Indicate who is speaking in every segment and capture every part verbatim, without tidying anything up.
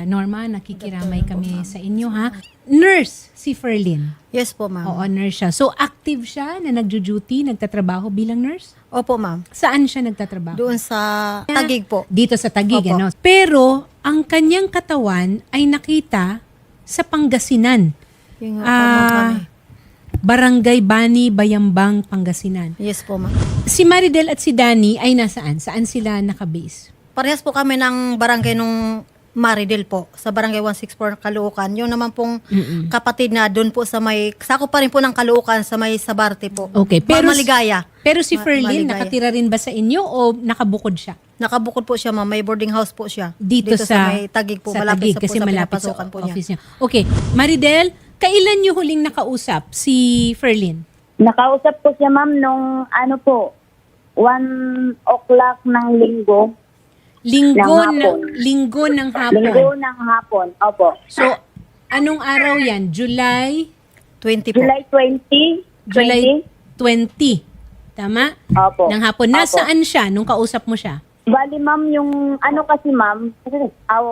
Speaker 1: ah, Norma, nakikiramay kami sa inyo ha. Nurse si Ferlyn.
Speaker 2: Yes po, ma'am.
Speaker 1: Oo, nurse siya. So active siya na nagjo-duty, nagtatrabaho bilang nurse?
Speaker 2: Opo, ma'am.
Speaker 1: Saan siya nagtatrabaho?
Speaker 2: Doon sa Taguig po.
Speaker 1: Dito sa Taguig,
Speaker 2: Opo.
Speaker 1: ano? Pero ang kanyang katawan ay nakita sa Pangasinan.
Speaker 2: Yung nga po,
Speaker 1: Ah,
Speaker 2: ma'am, kami.
Speaker 1: Barangay Bani, Bayambang, Pangasinan.
Speaker 2: Yes po, ma'am.
Speaker 1: Si Maridel at si Danny ay nasaan? Saan sila nakabase?
Speaker 2: Parehas po kami ng barangay nung Maridel po, sa barangay one sixty-four Caloocan. Yung naman pong
Speaker 1: Mm-mm.
Speaker 2: kapatid na doon po sa may, sako pa rin po ng Caloocan sa may Sabarte po.
Speaker 1: Okay, pero
Speaker 2: Ma- Maligaya.
Speaker 1: Pero si
Speaker 2: Ma-
Speaker 1: Ferlyn,
Speaker 2: Maligaya.
Speaker 1: nakatira rin ba sa inyo o nakabukod siya?
Speaker 2: Nakabukod po siya, ma'am. May boarding house po siya.
Speaker 1: Dito, sa,
Speaker 2: may Taguig po,
Speaker 1: sa
Speaker 2: malapit
Speaker 1: Taguig,
Speaker 2: sa, po
Speaker 1: kasi
Speaker 2: sa
Speaker 1: malapit sa
Speaker 2: pinapasukan po niya.
Speaker 1: office niya. Okay, Maridel, kailan niyo huling nakausap si Ferlyn?
Speaker 3: Nakausap ko siya, ma'am, nung ano po, one o'clock ng linggo.
Speaker 1: Linggo
Speaker 3: Ng
Speaker 1: ng
Speaker 3: hapon.
Speaker 1: linggo ng hapon.
Speaker 3: Linggo ng hapon, opo.
Speaker 1: So, anong araw 'yan? July
Speaker 2: twenty po.
Speaker 3: July twentieth,
Speaker 1: July twenty. Tama?
Speaker 3: Opo.
Speaker 1: Ng hapon.
Speaker 3: Opo.
Speaker 1: Nasaan siya nung kausap mo siya?
Speaker 3: Bali, ma'am, yung ano kasi, ma'am, aw,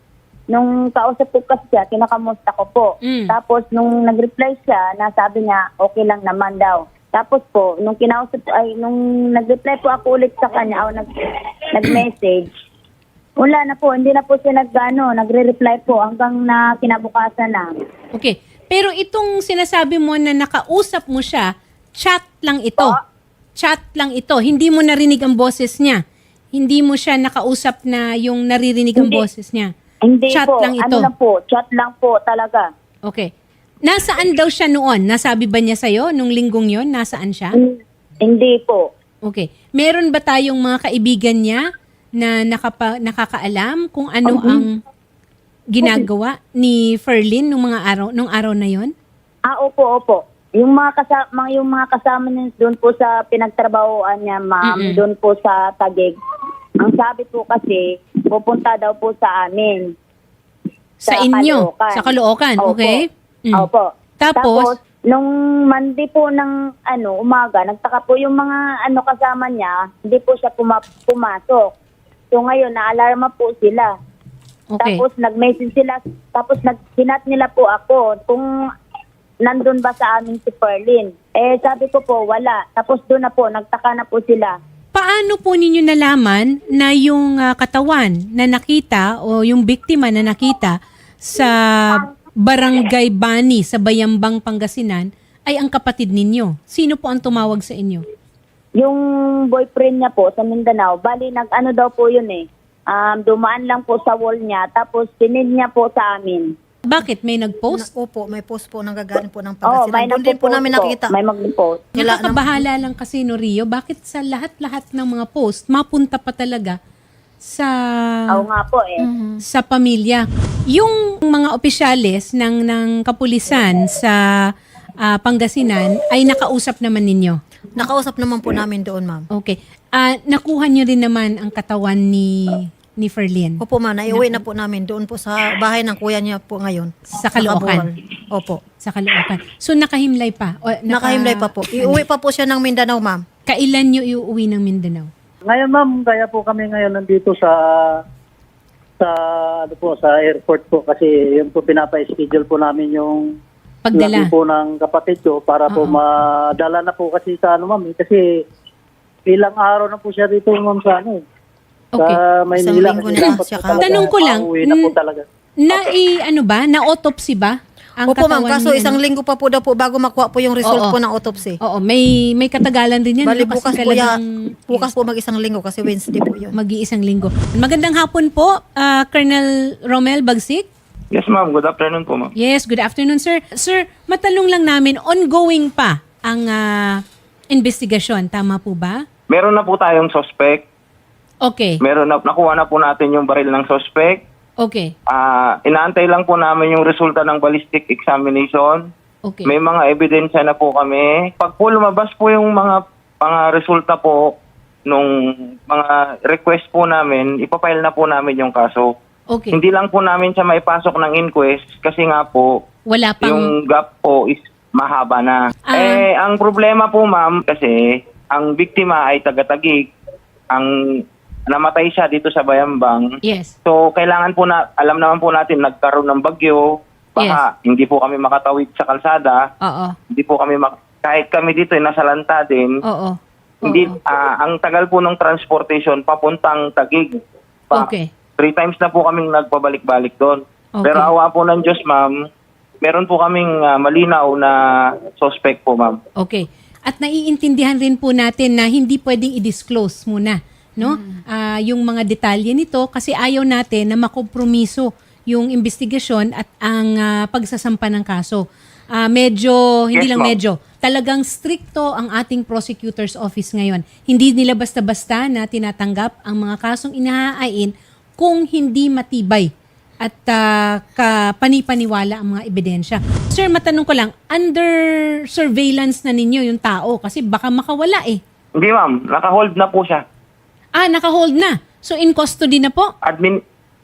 Speaker 3: nung kausap ko kasi siya, kinakamusta ko po.
Speaker 1: Mm.
Speaker 3: Tapos, nung nag-reply siya, nasabi niya, okay lang naman daw. Tapos po, nung kinausap, ay, nung nag-reply po ako ulit sa kanya, o nag, nag-message, wala na po, hindi na po siya nag, ano, nagre-reply po hanggang na kinabukasan na.
Speaker 1: Okay. Pero itong sinasabi mo na nakausap mo siya, chat lang ito.
Speaker 3: Po.
Speaker 1: Chat lang ito. Hindi mo narinig ang boses niya. Hindi mo siya nakausap na yung naririnig ang
Speaker 3: Hindi.
Speaker 1: boses niya.
Speaker 3: Hindi
Speaker 1: Chat
Speaker 3: po,
Speaker 1: lang ito.
Speaker 3: ano lang po, chat lang po talaga.
Speaker 1: Okay. Nasaan daw siya noon? Nasabi ba niya sa'yo nung linggong yon? Nasaan siya?
Speaker 3: Hmm, Hindi po.
Speaker 1: Okay. Meron ba tayong mga kaibigan niya na nakapa, nakakaalam kung ano ang ginagawa ni Ferlyn nung mga araw nung araw na yon?
Speaker 3: Ah, opo, opo. Yung mga kasama, yung mga kasama niya doon po sa pinagtrabahoan niya, ma'am,
Speaker 1: Mm-mm.
Speaker 3: doon po sa Taguig. Ang sabi po kasi, pupunta daw po sa amin.
Speaker 1: Sa,
Speaker 3: Sa
Speaker 1: inyo?
Speaker 3: Caloocan.
Speaker 1: Sa Caloocan,
Speaker 3: Opo.
Speaker 1: okay? Mm.
Speaker 3: Opo.
Speaker 1: Tapos?
Speaker 3: nung Monday po ng ano, umaga, nagtaka po yung mga ano kasama niya, hindi po siya puma- pumasok. So ngayon, naalarma po sila.
Speaker 1: Okay.
Speaker 3: Tapos nag-message sila, tapos nag-hinat nila po ako kung nandun ba sa amin si Ferlyn. Eh sabi ko po, wala. Tapos doon na po, nagtaka na po sila.
Speaker 1: Paano po ninyo nalaman na yung ah, katawan na nakita o yung biktima na nakita sa Barangay Bani sa Bayambang, Pangasinan ay ang kapatid ninyo? Sino po ang tumawag sa inyo?
Speaker 3: Yung boyfriend niya po sa Mindanao, bali nag-ano daw po yun eh. Um, dumaan lang po sa wall niya, tapos sinid niya po sa amin.
Speaker 1: Bakit? May nag-post?
Speaker 2: Na, opo, may post po nang gagaling po ng
Speaker 3: Oo,
Speaker 2: Pangasinan.
Speaker 3: may
Speaker 2: Doon din po
Speaker 3: nagpo-post
Speaker 2: namin nakikita.
Speaker 3: May mag-post.
Speaker 2: Nila-
Speaker 1: Nakakabahala lang kasi no Rio, bakit sa lahat-lahat ng mga post, mapunta pa talaga sa
Speaker 3: Oo nga po eh.
Speaker 1: sa pamilya. Yung mga opisyales ng ng kapulisan sa ah, Pangasinan ay nakausap naman ninyo.
Speaker 2: Nakausap naman po namin doon, ma'am.
Speaker 1: Okay. Ah, nakuha nyo rin naman ang katawan ni ni Ferlyn
Speaker 2: Opo, ma'am. Naiuwi na po namin doon po sa bahay ng kuya niya po ngayon.
Speaker 1: sa Caloocan.
Speaker 2: Nakabuhol. Opo.
Speaker 1: Sa Caloocan. So nakahimlay pa. O, naka-
Speaker 2: Nakahimlay pa po. Iuwi pa po siya ng Mindanao, ma'am.
Speaker 1: Kailan nyo iuwi ng Mindanao?
Speaker 4: Ngayon ma'am, kaya po kami ngayon nandito sa sa ano po sa airport po kasi yun po pinapa-schedule po namin yung
Speaker 1: Pagdala.
Speaker 4: laki po ng kapatid ko para po
Speaker 1: Oo.
Speaker 4: madala na po kasi sa ano ma'am eh. Kasi ilang araw na po siya dito ma'am sa ano eh.
Speaker 1: Okay.
Speaker 4: Sa Maynila.
Speaker 2: Isang linggo
Speaker 4: kasi
Speaker 2: na
Speaker 4: dapat
Speaker 2: siya
Speaker 4: po talaga
Speaker 1: Tanong ko lang,
Speaker 4: pauwi na po
Speaker 1: mm,
Speaker 4: talaga.
Speaker 1: Na i, ano ba? Na autopsy ba? Ang
Speaker 2: Opo, ma'am.
Speaker 1: katawan
Speaker 2: Kaso
Speaker 1: ni-
Speaker 2: isang linggo pa po daw po bago makuha po yung result
Speaker 1: Oo.
Speaker 2: po ng autopsy.
Speaker 1: Oo, may may katagalan din yan.
Speaker 2: Bali,
Speaker 1: ano, kasi
Speaker 2: bukas po
Speaker 1: talagang-
Speaker 2: yan. Bukas po mag-isang linggo kasi Wednesday po yun.
Speaker 1: Mag-iisang linggo. Magandang hapon po, ah, Colonel Romel Bagsik.
Speaker 5: Yes, ma'am. Good afternoon po, ma'am.
Speaker 1: Yes, good afternoon, sir. Sir, matanong lang namin, ongoing pa ang ah, investigasyon. Tama po ba?
Speaker 5: Meron na po tayong suspect.
Speaker 1: Okay.
Speaker 5: Meron na, nakuha na po natin yung baril ng suspect.
Speaker 1: Okay.
Speaker 5: Ah, inaantay lang po namin yung resulta ng ballistic examination.
Speaker 1: Okay.
Speaker 5: May mga ebidensya na po kami. Pag po lumabas po yung mga mga resulta po nung mga request po namin, ipapile na po namin yung kaso.
Speaker 1: Okay.
Speaker 5: Hindi lang po namin siya maipasok ng inquest kasi nga po
Speaker 1: Wala pang...
Speaker 5: yung gap po is mahaba na.
Speaker 1: Ah.
Speaker 5: Eh, ang problema po ma'am kasi ang biktima ay taga-Taguig. Ang namatay siya dito sa Bayambang.
Speaker 1: Yes.
Speaker 5: So, kailangan po na, alam naman po natin, nagkaroon ng bagyo, baka hindi po kami makatawid sa kalsada,
Speaker 1: Oo.
Speaker 5: hindi po kami, mak- kahit kami dito ay nasa lanta din,
Speaker 1: Oo.
Speaker 5: hindi,
Speaker 1: Oo.
Speaker 5: ah, ang tagal po ng transportation papuntang Taguig. Pa-
Speaker 1: Okay.
Speaker 5: Three times na po kaming nagpabalik-balik doon.
Speaker 1: Okay.
Speaker 5: Pero awa po ng Diyos, ma'am, meron po kaming ah, malinaw na suspect po, ma'am.
Speaker 1: Okay. At naiintindihan rin po natin na hindi pwedeng i-disclose muna, no? Ah, yung mga detalye nito kasi ayaw natin na makompromiso yung investigasyon at ang ah, pagsasampa ng kaso. Ah, medyo, hindi
Speaker 5: Yes,
Speaker 1: lang
Speaker 5: ma'am.
Speaker 1: medyo, talagang stricto ang ating prosecutor's office ngayon. Hindi nila basta-basta na tinatanggap ang mga kasong inahain kung hindi matibay at uh, kapanipaniwala ang mga ebidensya. Sir, matanong ko lang, under surveillance na ninyo yung tao kasi baka makawala eh.
Speaker 5: Hindi, ma'am. Naka-hold na po siya.
Speaker 1: Ah, naka-hold na. So in custody na po?
Speaker 5: Admin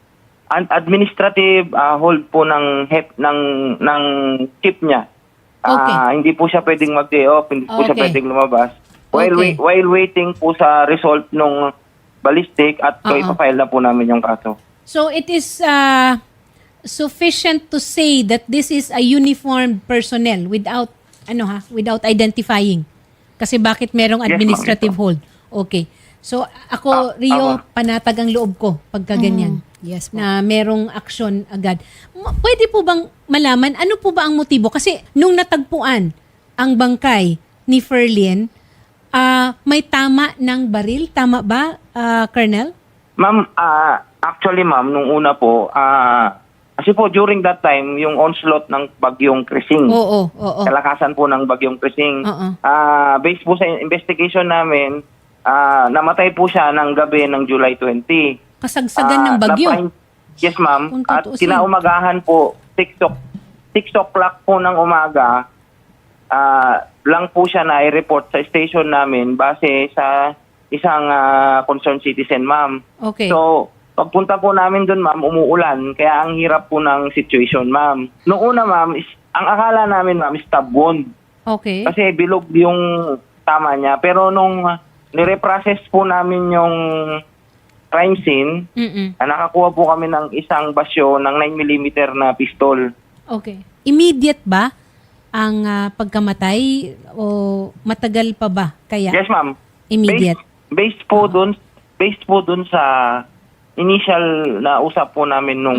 Speaker 5: an- administrative ah, hold po ng hep ng ng chief niya. Ah,
Speaker 1: Okay.
Speaker 5: hindi po siya pwedeng mag-day off, hindi po siya
Speaker 1: Okay.
Speaker 5: pwedeng lumabas. While
Speaker 1: Okay.
Speaker 5: wai- while waiting po sa result nung ballistic at so
Speaker 1: Oo.
Speaker 5: ipafile na po namin yung kaso.
Speaker 1: So it is uh, sufficient to say that this is a uniformed personnel without ano ha, without identifying. Kasi bakit merong
Speaker 5: Yes, ma'am.
Speaker 1: administrative hold? Okay. So ako,
Speaker 5: Ah,
Speaker 1: Rio,
Speaker 5: tama.
Speaker 1: panatag ang loob ko pagka ganyan.
Speaker 2: Yes po.
Speaker 1: Na merong aksyon agad. Ma- Pwede po bang malaman ano po ba ang motibo? Kasi nung natagpuan ang bangkay ni Ferlin, ah, may tama ng baril, tama ba, ah, Colonel?
Speaker 5: Ma'am, ah, actually ma'am, nung una po, ah, kasi po during that time, yung onslaught ng bagyong Krising.
Speaker 1: Oo, oo.
Speaker 5: Kalakasan po ng bagyong Krising.
Speaker 1: Oo.
Speaker 5: Ah, based po sa investigation namin, ah, namatay po siya ng gabi ng July twentieth.
Speaker 1: Kasagsagan ng
Speaker 5: Ah,
Speaker 1: bagyo.
Speaker 5: napahin- Yes, ma'am.
Speaker 1: Kung
Speaker 5: At
Speaker 1: tutuusin.
Speaker 5: kinaumagahan po, six o'clock po ng umaga, ah, lang po siya na i-report sa station namin base sa isang ah, concerned citizen, ma'am.
Speaker 1: Okay.
Speaker 5: So, pagpunta po namin doon, ma'am, umuulan. Kaya ang hirap po ng situation, ma'am. Noong una, ma'am, is, ang akala namin, ma'am, is stab wound.
Speaker 1: Okay.
Speaker 5: Kasi bilog yung tama niya. Pero nung uh, nire-process po namin yung crime scene,
Speaker 1: Mm-mm.
Speaker 5: ah, nakakuha po kami ng isang basyo ng nine millimeter na pistol.
Speaker 1: Okay. Immediate ba ang ah, pagkamatay o matagal pa ba? Kaya
Speaker 5: Yes, ma'am.
Speaker 1: immediate.
Speaker 5: Based, based po dun, based po dun sa initial na usap po namin nung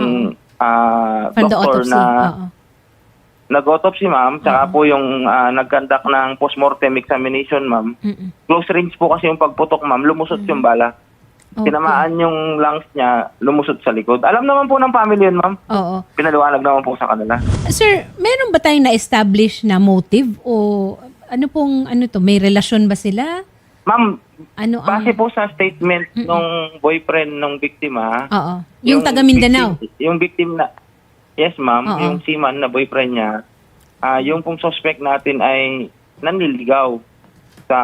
Speaker 5: ah,
Speaker 1: From the
Speaker 5: doktor
Speaker 1: autopsy.
Speaker 5: na
Speaker 1: Oo.
Speaker 5: nag-autopsy, ma'am, tsaka po yung uh, nag-conduct ng postmortem examination, ma'am.
Speaker 1: Mm-mm.
Speaker 5: Close range po kasi yung pagputok, ma'am, lumusot yung bala.
Speaker 1: Okay.
Speaker 5: Tinamaan yung lungs niya, lumusot sa likod. Alam naman po ng family yun, ma'am.
Speaker 1: Oo.
Speaker 5: Pinaliwanag naman po sa kanila.
Speaker 1: Sir, meron ba tayong na-establish na motive o ano pong ano to, may relasyon ba sila?
Speaker 5: Ma'am,
Speaker 1: Ano ang
Speaker 5: base po sa statement nung boyfriend ng biktima,
Speaker 1: Oo. Yung, taga Mindanao.
Speaker 5: victim- yung victim na, yes ma'am,
Speaker 1: Oo.
Speaker 5: yung seaman na boyfriend niya, ah yung pong suspect natin ay nanliligaw sa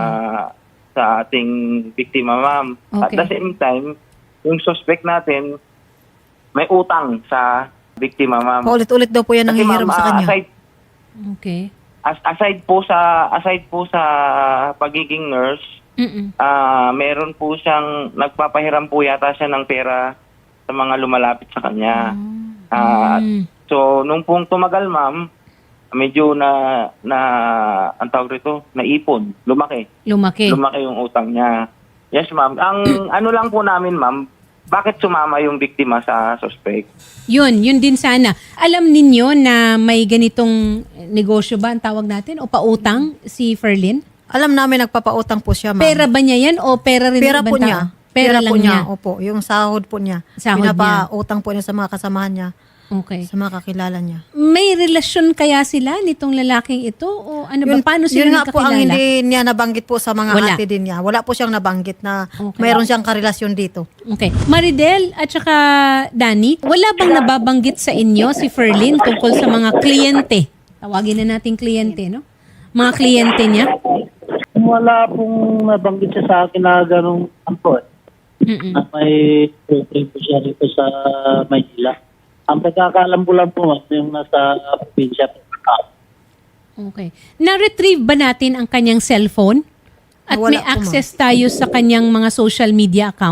Speaker 5: sa ating biktima, ma'am. At
Speaker 1: Okay.
Speaker 5: the same time, yung suspect natin may utang sa biktima, ma'am.
Speaker 2: Paulit-ulit daw po yan ang
Speaker 5: Kasi,
Speaker 2: hihiram
Speaker 5: ma'am,
Speaker 2: sa
Speaker 5: ah,
Speaker 2: kanya.
Speaker 5: aside
Speaker 1: Okay.
Speaker 5: as, aside po sa aside po sa pagiging nurse,
Speaker 1: Mm-mm.
Speaker 5: ah meron po siyang nagpapahiram po yata siya ng pera sa mga lumalapit sa kanya. Ah,
Speaker 1: Mm.
Speaker 5: so nung pong tumagal, ma'am, medyo na na ang tawag rito, naipon, lumaki.
Speaker 1: Lumaki.
Speaker 5: Lumaki yung utang niya. Yes, ma'am. Ang ano lang po namin, ma'am, bakit sumama yung biktima sa suspect?
Speaker 1: Yun, yun din sana. Alam ninyo na may ganitong negosyo ba ang tawag natin o pautang si Ferlin?
Speaker 2: Alam namin nagpapautang po siya, ma'am.
Speaker 1: Pera ba niya yan o pera rin ng
Speaker 2: Pera
Speaker 1: ibang
Speaker 2: po
Speaker 1: tao?
Speaker 2: niya.
Speaker 1: Pera, lang
Speaker 2: po
Speaker 1: niya.
Speaker 2: Opo, yung sahod po niya.
Speaker 1: Sahod
Speaker 2: Pinapautang po niya sa mga kasamahan niya,
Speaker 1: Okay.
Speaker 2: sa mga kakilala niya.
Speaker 1: May relasyon kaya sila nitong lalaking ito? O ano ba? Paano sila
Speaker 2: yun nga po ang
Speaker 1: nagkakilala?
Speaker 2: hindi niya nabanggit po sa mga
Speaker 1: Wala.
Speaker 2: ate din niya. Wala po siyang nabanggit na
Speaker 1: Okay.
Speaker 2: mayroon siyang karelasyon dito.
Speaker 1: Okay. Maridel at saka Danny, wala bang nababanggit sa inyo si Ferlin tungkol sa mga kliyente? Tawagin na nating kliyente, no? Mga kliyente niya?
Speaker 4: Wala pong nabanggit siya sa akin na ganong ampo eh.
Speaker 1: Mm-mm.
Speaker 4: Na may program po siya rito sa Maynila. Ang pagkakalam ko lang po, ma'am, yung nasa probinsya po.
Speaker 1: Okay. Na-retrieve ba natin ang kanyang cellphone? At
Speaker 2: Wala
Speaker 1: may
Speaker 2: po, ma'am.
Speaker 1: access tayo sa kanyang mga social media account?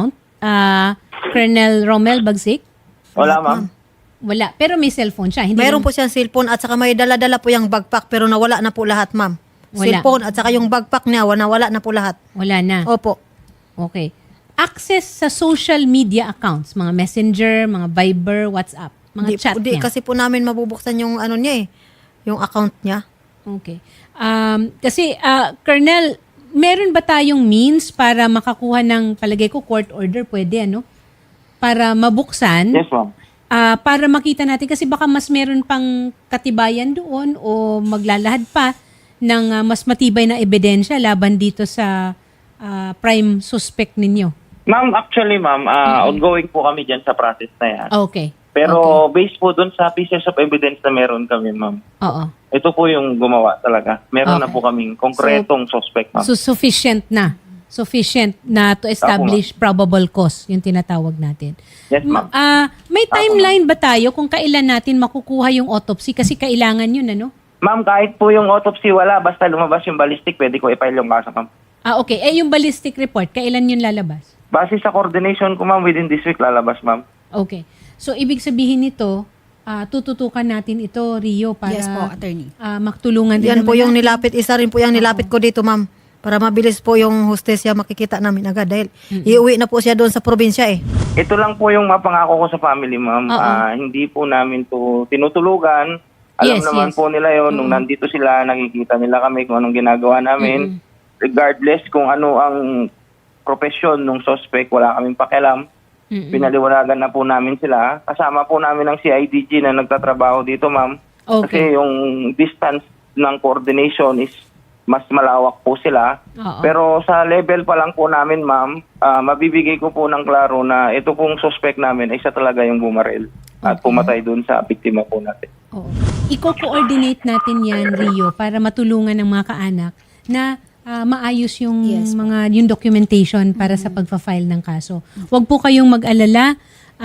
Speaker 1: ah, Colonel Romel Bagsik?
Speaker 5: Wala, ma'am.
Speaker 1: Wala. Pero may cellphone siya. Hindi
Speaker 2: Meron
Speaker 1: lang-
Speaker 2: po siyang cellphone at saka may dala-dala po yung backpack pero nawala na po lahat, ma'am.
Speaker 1: Wala.
Speaker 2: Cellphone at saka yung backpack niya, nawala na po lahat.
Speaker 1: Wala na.
Speaker 2: Opo.
Speaker 1: Okay. Access sa social media accounts, mga Messenger, mga Viber, WhatsApp, mga
Speaker 2: Di,
Speaker 1: chat
Speaker 2: di,
Speaker 1: niya.
Speaker 2: kasi po namin mabubuksan yung ano niya eh, yung account niya.
Speaker 1: Okay. Um, kasi, ah, Colonel, meron ba tayong means para makakuha ng, palagay ko, court order? Pwede, ano? Para mabuksan,
Speaker 5: Yes, ma'am.
Speaker 1: ah, para makita natin, kasi baka mas meron pang katibayan doon o maglalahad pa ng ah, mas matibay na ebidensya laban dito sa ah, prime suspect ninyo.
Speaker 5: Ma'am, actually, ma'am, ah, ongoing po kami dyan sa process na yan.
Speaker 1: Okay.
Speaker 5: Pero based po dun sa pieces of evidence na meron kami, ma'am.
Speaker 1: Oo.
Speaker 5: Ito po yung gumawa talaga. Meron na
Speaker 1: Okay.
Speaker 5: po kaming konkretong suspect, ma'am.
Speaker 1: So, sufficient na. Sufficient na to establish probable cause, yung tinatawag natin.
Speaker 5: Yes, ma'am.
Speaker 1: Ah, may timeline ba tayo kung kailan natin makukuha yung autopsy? Kasi kailangan yun, ano?
Speaker 5: Ma'am, kahit po yung autopsy wala, basta lumabas yung ballistic, pwede ko i-file yung kaso, ma'am.
Speaker 1: Ah, okay. Eh, yung ballistic report, kailan yun lalabas?
Speaker 5: Base sa coordination ko, ma'am, within this week lalabas, ma'am.
Speaker 1: Okay. So, ibig sabihin nito, ah, tututukan natin ito, Rio, para
Speaker 6: Yes po, attorney.
Speaker 1: ah, magtulungan din
Speaker 2: Yan po
Speaker 1: naman
Speaker 2: yung
Speaker 1: natin.
Speaker 2: nilapit, isa rin po yung nilapit ko dito, ma'am. Para mabilis po yung hostesya makikita namin agad dahil iuwi na po siya doon sa probinsya eh.
Speaker 5: Ito lang po yung mapangako ko sa family, ma'am.
Speaker 1: Oo.
Speaker 5: Ah, hindi po namin to tinutulugan. Alam
Speaker 1: Yes,
Speaker 5: naman
Speaker 1: yes.
Speaker 5: po nila yon nung nandito sila, nakikita nila kami kung anong ginagawa namin. Regardless kung ano ang profesyon ng suspect, wala kaming pakialam.
Speaker 1: Mm-mm.
Speaker 5: Pinaliwanagan na po namin sila. Kasama po namin ang C I D G na nagtatrabaho dito, ma'am.
Speaker 1: Okay.
Speaker 5: Kasi yung distance ng coordination is mas malawak po sila.
Speaker 1: Oo.
Speaker 5: Pero sa level pa lang po namin, ma'am, ah, mabibigay ko po ng klaro na ito pong suspect namin ay siya talaga yung bumaril at pumatay dun sa biktima po natin.
Speaker 1: Oo. Iko-coordinate natin yan, Rio, para matulungan ng mga kaanak na ah, maayos yung
Speaker 6: Yes po.
Speaker 1: mga yung documentation para sa pagfa-file ng kaso. Huwag po kayong mag-alala,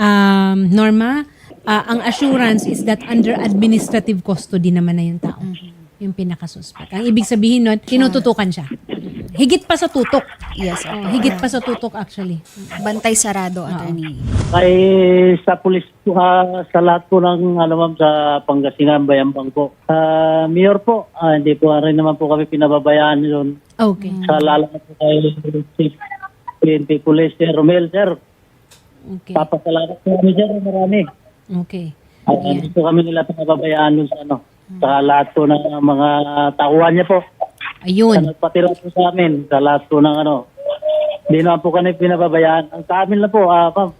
Speaker 1: um, Norma. Ah, ang assurance is that under administrative custody naman na yung tao. Yung pinakasuspect. Ang ibig sabihin nun, tinututukan siya. Higit pa sa tutok.
Speaker 6: Yes,
Speaker 1: Oh,
Speaker 6: attorney.
Speaker 1: higit pa sa tutok actually.
Speaker 6: Bantay sarado, attorney.
Speaker 4: Kay sa pulis po, ah, sa lahat po ng ano ma'am sa Pangasinan, Bayambang po. Sa Mayor po, ah, hindi po rin naman po kami pinababayaan yun.
Speaker 1: Okay.
Speaker 4: Sa lalo na po kay Chief P N P Police, Sir Romel, sir.
Speaker 1: Okay.
Speaker 4: Papasalamat po kami, sir, marami.
Speaker 1: Okay.
Speaker 4: At hindi po kami nila pinababayaan dun sa ano, sa lahat po ng mga tauhan niya po. Sa
Speaker 1: Ayun.
Speaker 4: nagpatira po sa amin, sa lahat po ng ano. Hindi naman po kami pinababayaan. Ang sa amin lang po, ah, ma'am,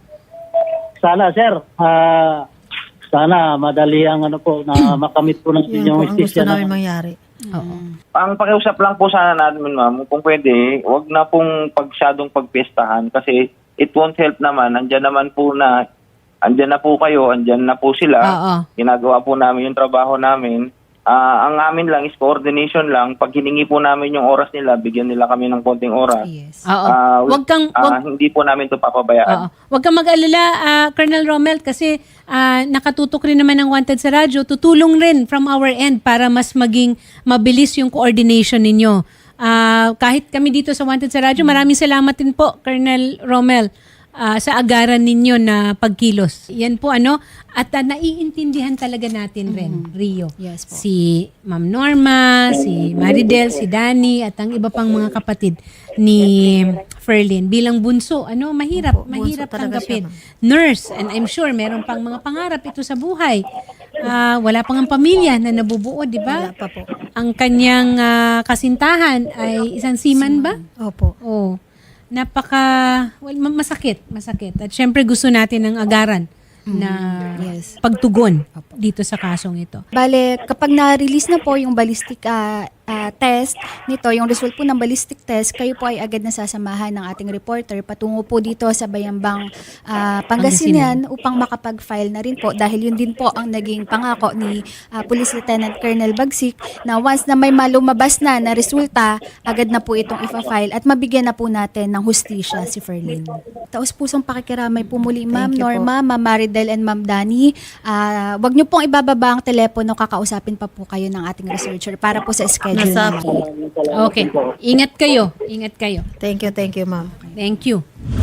Speaker 4: sana, sir, ah, sana madali ang ano po, na makamit po natin
Speaker 2: Yun
Speaker 4: yung
Speaker 2: po ang gusto
Speaker 4: justisya
Speaker 2: namin
Speaker 4: na.
Speaker 2: mangyari.
Speaker 1: Oo.
Speaker 5: Ang pakiusap lang po sana namin, ma'am, kung pwede, wag na pong pagsyadong pagpiestahan kasi it won't help naman. Andyan naman po na, andyan na po kayo, andyan na po sila.
Speaker 1: Oo.
Speaker 5: Ginagawa po namin yung trabaho namin. Ah, ang amin lang is coordination lang. Pag hiningi po namin yung oras nila, bigyan nila kami ng konting oras.
Speaker 6: Yes.
Speaker 1: Oo.
Speaker 5: Ah,
Speaker 1: Wag kang
Speaker 5: ah,
Speaker 1: wag,
Speaker 5: hindi po namin ito papabayaan.
Speaker 1: oo. Wag kang mag-alala, ah, Colonel Romel, kasi ah, nakatutok rin naman ng Wanted sa radyo. Tutulong rin from our end para mas maging mabilis yung coordination ninyo. Ah, kahit kami dito sa Wanted sa radyo, maraming salamat din po, Colonel Romel, ah, sa agaran ninyo na pagkilos. Yan po ano, at ah, naiintindihan talaga natin rin, Rio.
Speaker 6: Yes po.
Speaker 1: Si Ma'am Norma, si Maridel, si Danny, at ang iba pang mga kapatid ni Ferlin. Bilang bunso, ano, mahirap,
Speaker 2: Opo, bunso
Speaker 1: mahirap
Speaker 2: talaga siya,
Speaker 1: tanggapin. Nurse, and I'm sure meron pang mga pangarap ito sa buhay. Ah, wala pang ang pamilya na nabubuo, di ba?
Speaker 2: Wala pa po.
Speaker 1: Ang kanyang ah, kasintahan ay isang seaman ba?
Speaker 2: Opo.
Speaker 1: Oh. Napaka well, ma- masakit, masakit. At syempre gusto natin ng agaran na
Speaker 6: Yes.
Speaker 1: pagtugon dito sa kasong ito.
Speaker 6: Bale, kapag na-release na po yung ballistic ah, ah, test nito, yung result po ng ballistic test, kayo po ay agad na sasamahan ng ating reporter patungo po dito sa Bayambang ah, Pangasinan upang makapag-file na rin po dahil yun din po ang naging pangako ni ah, Police Lieutenant Colonel Bagsik na once na may malumabas na na resulta, agad na po itong ifa-file at mabigyan na po natin ng hustisya si Ferlin. Taos pusong pakikiramay po muli, Ma'am
Speaker 2: Thank you po.
Speaker 6: Norma, Ma'am Maridel and Ma'am Dani. Ah, wag niyo pong ibababa ang telepono, kakausapin pa po kayo ng ating researcher para po sa schedule
Speaker 2: Nasa-
Speaker 6: natin.
Speaker 1: Okay. Ingat kayo. Ingat kayo.
Speaker 2: Thank you, thank you, ma'am.
Speaker 1: Thank you.